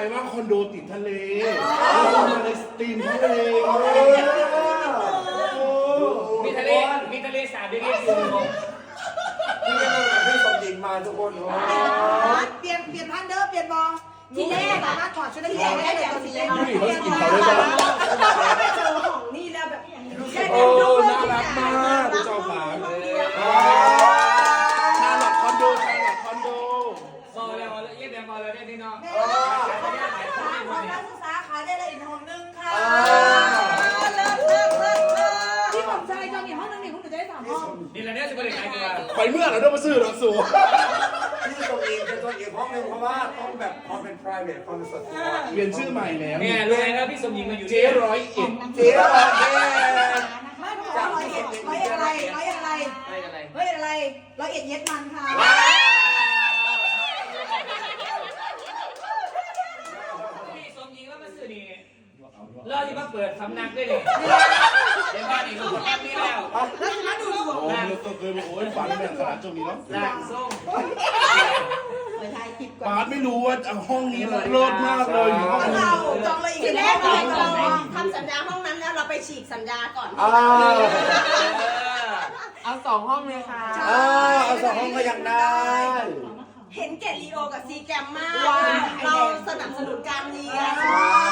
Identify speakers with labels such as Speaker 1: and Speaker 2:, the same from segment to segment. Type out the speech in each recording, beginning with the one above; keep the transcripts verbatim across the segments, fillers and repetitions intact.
Speaker 1: ว่าคอนโดติดทะเลมาในสตรีมทะเล
Speaker 2: มีทะเลมีทะเลสาบเรียกๆอยู่
Speaker 3: นี่ก็เป็นแบบที่สมหญิงมาทุกคน
Speaker 4: เปลี่ยนเปลี่ยนท่านเด้อเปลี่ยนบอทีแรกสามารถถอดชุดนักเรียนได้เลยตอนนี้
Speaker 1: นี่เขากินเขาด้วยกัน
Speaker 4: ไปเจอของนี่แล้วแบบ
Speaker 1: โอ้น่ารักมากคุณเจ้าขาชาลอตคอนโดชาลอตคอนโด
Speaker 2: พอแล้วเยี่ยมแล้วพอแล้วได้พี่น้อง
Speaker 4: ของนักศึกษาขายได้เลยอีกห้องนึงค่ะเลิศเลิศเลิศเลิศที่ผมใจจองอีกห้องนึงนี่คุณหนูจะได้สามห้อง
Speaker 2: นี่แหละเนี่ยจะบริการตัว
Speaker 1: ไปเมื่อเราต้องมาซื้อหรอสู
Speaker 3: ที่ตรงนี้เป็นตัวเองห้องนึงเพราะว่าต้องแบบความเป็น private ความเป็นส่วนตัว
Speaker 1: เปลี่ยนชื่อใหม่แล้ว
Speaker 2: เนี่ยรู้ไหมนะพี่สมหญิงมาอยู่
Speaker 1: เจ๊ร้อยเอ็ด
Speaker 3: เจ๊ร้อยเอ็ด
Speaker 4: ไม่ต้องบอกร้อยเอ็ดร้อยเอ็ดอะไรร้อยเอ็ดอะไร
Speaker 2: ไม่อะไร
Speaker 4: ร้อยเอ็ดอะไรร้อยเอ็ดเย็ดมันค่ะ
Speaker 2: พี่สมหญิงว่ามาซื้อนี่เราที่มาเปิดสำนักได้เลยในบ้านนี่เขาแอบนี่แล้ว
Speaker 4: แล้วจะมาดูดวง
Speaker 1: โอ้ยเราเคยมาโอ้ยฝันแบบขนาดช่วงนี้เนาะ
Speaker 2: หลังส้ม
Speaker 1: ปาร์ตไม่รู้ว่าห้องนี้เลิศมากเลยห้องนี้
Speaker 4: เราจองเลยอีกแรกเรา
Speaker 5: ทำสัญญาห้องนั้นแล้วเราไปฉีกสัญญาก่อน
Speaker 2: เอาสองห้องเลยค่ะ
Speaker 3: เอาสองห้องก็ยังได้
Speaker 5: เห็นแก่ลีโอกับซีแกมมากเราสนับสนุนการเรียน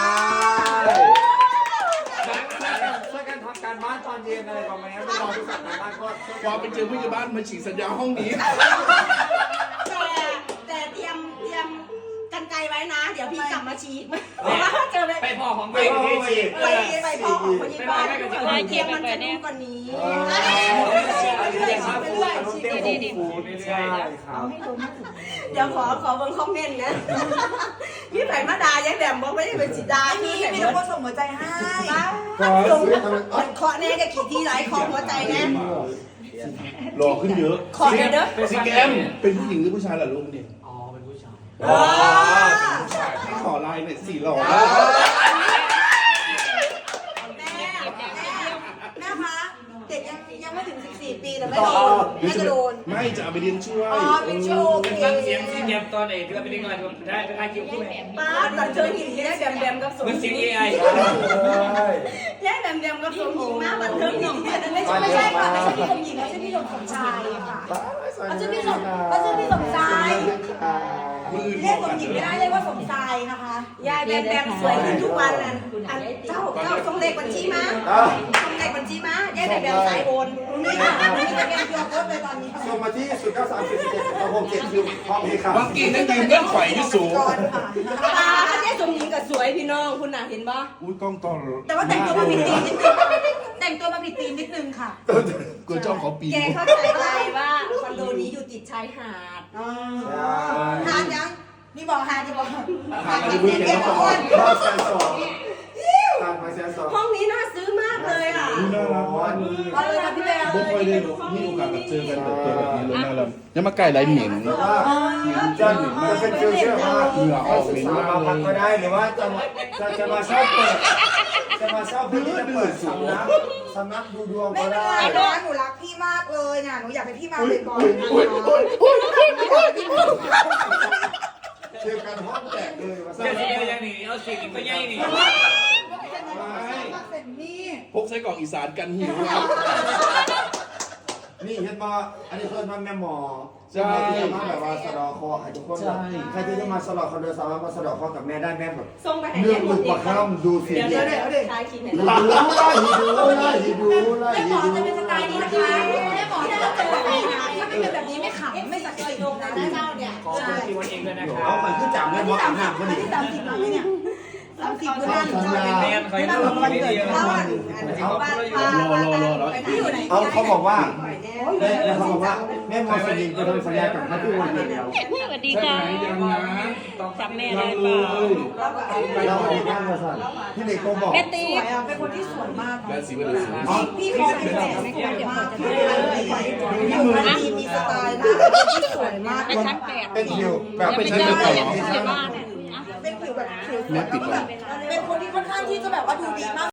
Speaker 3: ช่วยกันทำการบ้านตอนเย็นอะไรประมาณนี้ไม่รอที่สั่งการบ้านก็
Speaker 1: พอไปเจอผู้ใหญ่บ้านมาฉีกสัญญาห้องนี้
Speaker 5: แต่แต่เตรียมเตรียมกันไกลไว้นะเดี๋ยวพี่กลับมาฉีกเพราะว่าเจอไป
Speaker 2: ไปพ่อของ
Speaker 3: ไป
Speaker 2: ไป
Speaker 3: ที่ฉีด
Speaker 5: ไปไปพ่อของคนยี่บ้านเตรียมมันจะนุ่มกว่านี้
Speaker 3: ดีดีใช่ครับ
Speaker 5: เดี๋ยวขอขอเบิ่งคอมเมนต์นะพี่ไผ่มาดายังแบบบอกไม่ได้เป็นสีดา
Speaker 4: มี
Speaker 5: พี่
Speaker 4: มีทุกคนส่งหัวใจให้
Speaker 5: ลงเคาะแน่จะกี่ทีหลายเคาะหัวใจแน่
Speaker 1: หล่อขึ้นเยอะ
Speaker 5: ขอเด้อ
Speaker 1: ซีแกมเป็นผู้หญิงหรือผู้ชายล่ะลูกเนี่ย
Speaker 2: อ๋อเป็นผู้ชาย
Speaker 1: อ๋อเป็นผู้ชายให้ขอไลน์หน่อยสี่หล่อ
Speaker 4: แม่แม่แม่คะเด็กยังยังไม่ถึงสิบสี่ปีแต่ไม่โดนไม่จะโดน
Speaker 1: ไม่จะเอาไปเรียนช่วย
Speaker 4: อ๋อเป็นโชว์
Speaker 2: ฟังเสียงที่เงียบตอนไหนที่เราไปเล่นงานได้ไปทานคิวคู่ไหม
Speaker 5: ป้าตอนเจอหินที่ได้แบมแบมกับสม
Speaker 2: มันเสียง เอ ไอ
Speaker 5: แย่แบมแบมกับสมหญิงมากบันเทิงหนึ่งไม่ใช่
Speaker 4: ไม่ใช่ค่ะไม่ใช่พี่สมหญิงไม่ใช่พี่สมสมชายค่ะเขาชื่อพี่สมเขาชื่อพี่สมชายเรียกสมหญิงไม่ได้เรียกว่าสมชายนะคะ
Speaker 5: ยายแบมแบมสวยขึ้นทุกวันนั่นเจ้าเจ้าส่งเลขบัญชีมาส่งเลขบัญชีมายายแบมแบมสายโอน
Speaker 4: นี่ค่ะนี่จะเป็นตัวโพสเลยตอนนี้
Speaker 3: ส่งมาที่ศูนย์เก้าสามสี่เจ็ดสองหกเจ็ดคิวพร้อมเพย์ครับ
Speaker 1: เมื่อกี้นั่นยืมเงื่อนไขที่สูง
Speaker 5: ป้าเจ๊สมหญิงกับสวยพี่น้องคุณน่ะเห็นปะ
Speaker 1: อุ้ยกล้องตอน
Speaker 4: แต่ว่าแต่งตัวมาผิดธีมนิดนึงแต่งตัวมาผิดธีมนิดนึงค่ะ
Speaker 1: เกิดจ้องเขาปี
Speaker 5: แกเข้าใจไปว่าคอนโดนี้อยู่ติดชายหาด
Speaker 4: หาดยังนี่บอกหาดจะบอกหาด
Speaker 1: ที่
Speaker 4: เด็
Speaker 1: เพื่อน
Speaker 4: ก
Speaker 1: แก
Speaker 4: เด็ก
Speaker 1: ต้อง
Speaker 4: ค
Speaker 1: บอก
Speaker 4: น
Speaker 3: รอบแสนสองตามมาแสนสอง
Speaker 5: ห้องนี้น่าซื้อมากเลยอ่ะ
Speaker 1: น่ารักมาก
Speaker 4: เอาเลยค่ะพี่เบล
Speaker 1: ไม่ค่อยได้มีโอกาสมาเจอกันแบบเจอแบบนี้เลยน่ารักยังมาไก่ไรเหม็น
Speaker 3: แต่ว่าจะจะเป็นฟิวเจอร์ว่า
Speaker 1: เหงื่อออกเหม็นมาก
Speaker 3: มาพัก
Speaker 1: เล
Speaker 3: ก็
Speaker 1: ย
Speaker 3: ได้หรือว่าจะจะจะมาเช่าเปิดจะมาเช่าเพื่อที่จะเปิดสำนักสำนักดูดวง
Speaker 4: ไม่
Speaker 3: ก็
Speaker 4: เป็นไร
Speaker 3: ได้
Speaker 4: นะหนูรักพี่มากเลยนะหนูอยากให้พี่มาบ่อย
Speaker 3: เจอกันห้องแตกเลยมา
Speaker 2: เดี๋ยวนี้ยังหนีเอาสิ่งก็ยังหนี
Speaker 4: ๆเสร็จนี่
Speaker 1: พกไส้กรอกอีสานกันหิว
Speaker 3: นี่เห็นมาอันนี้เพิ่นมาแม่หมอใช่ที่จะมาแบบว่าสะดอคอให้ทุกคนแบบใครที่จะมาสะดอคอเดินสามารถมาสะดอคอกับแม่ได้แม่แบบ
Speaker 5: ส่งไปให้
Speaker 3: เรื่
Speaker 5: แม่
Speaker 3: อง
Speaker 5: หม
Speaker 3: ลู
Speaker 5: ด
Speaker 3: ก
Speaker 5: เอ
Speaker 3: ปาก
Speaker 5: ง
Speaker 3: ข้ามดูเสียง
Speaker 5: เดี๋ยว
Speaker 3: ดู
Speaker 5: เดี๋ยวเดี๋ยวใช้คิดเห็น
Speaker 3: ไล่ดูไล่ดูไล่
Speaker 4: แม่หม
Speaker 3: ดู
Speaker 4: อจะเป็นสไตล์นี้นะคะแม่หมอจะเป็นแบบนี้นะถ้าไม่เป็นแบบนี้ไม่ขำไม่สักใจตรงนะเจ้าเนี่ย
Speaker 2: ขอคุณทีวันเองด้วยนะครั
Speaker 3: เอา
Speaker 2: บ
Speaker 3: ไปขึ้นจับแม่หมออาบน้ำพอดี
Speaker 4: ที่สามสิบแล้วเนี่ยสามสิบ
Speaker 5: บ้าน
Speaker 4: เจ้า
Speaker 2: แมนใคร
Speaker 4: บ้าน
Speaker 2: รู้
Speaker 4: ของวัน
Speaker 2: ไม่
Speaker 4: เกิ
Speaker 2: ดี
Speaker 4: ด
Speaker 2: นะ
Speaker 4: เขา
Speaker 2: ค
Speaker 4: อ่ะ
Speaker 2: รับ
Speaker 5: บ้านพาที่อยู่ไหน
Speaker 3: เอาเขาบอกว่าแม่เขาบอกว่าแม่หมอสนิทจะโดนสัญญากับพระที่วันเดียว
Speaker 6: สวัสดีค่ะ
Speaker 1: ยังนะ
Speaker 6: จำแม่
Speaker 1: ยั
Speaker 6: ได้
Speaker 1: ง
Speaker 6: เป
Speaker 1: เล
Speaker 6: ล่าย
Speaker 3: เราไปนั่งมาสั่นพี่เด็กก็บอก
Speaker 6: แม่
Speaker 4: ส
Speaker 6: ตี
Speaker 4: วยอ่ะเป็นคนที่สวยมาก
Speaker 1: และสีวันสี
Speaker 4: พี่เขาเป็นแบบสวยมากเลยมีสไตล์นะที่สวยมาก
Speaker 6: ไปชั้นแปด
Speaker 3: เป็นคิวแบบ
Speaker 6: ไป
Speaker 3: เป็น
Speaker 6: เจ
Speaker 3: คิ
Speaker 6: อ
Speaker 3: ว
Speaker 6: เล
Speaker 3: แบบ
Speaker 6: ยที่บ้าน
Speaker 4: เป็นผิวแบบผิวแบบเป็นคนที่ค่อนข้างที่จะแบบว่าดูดีมาก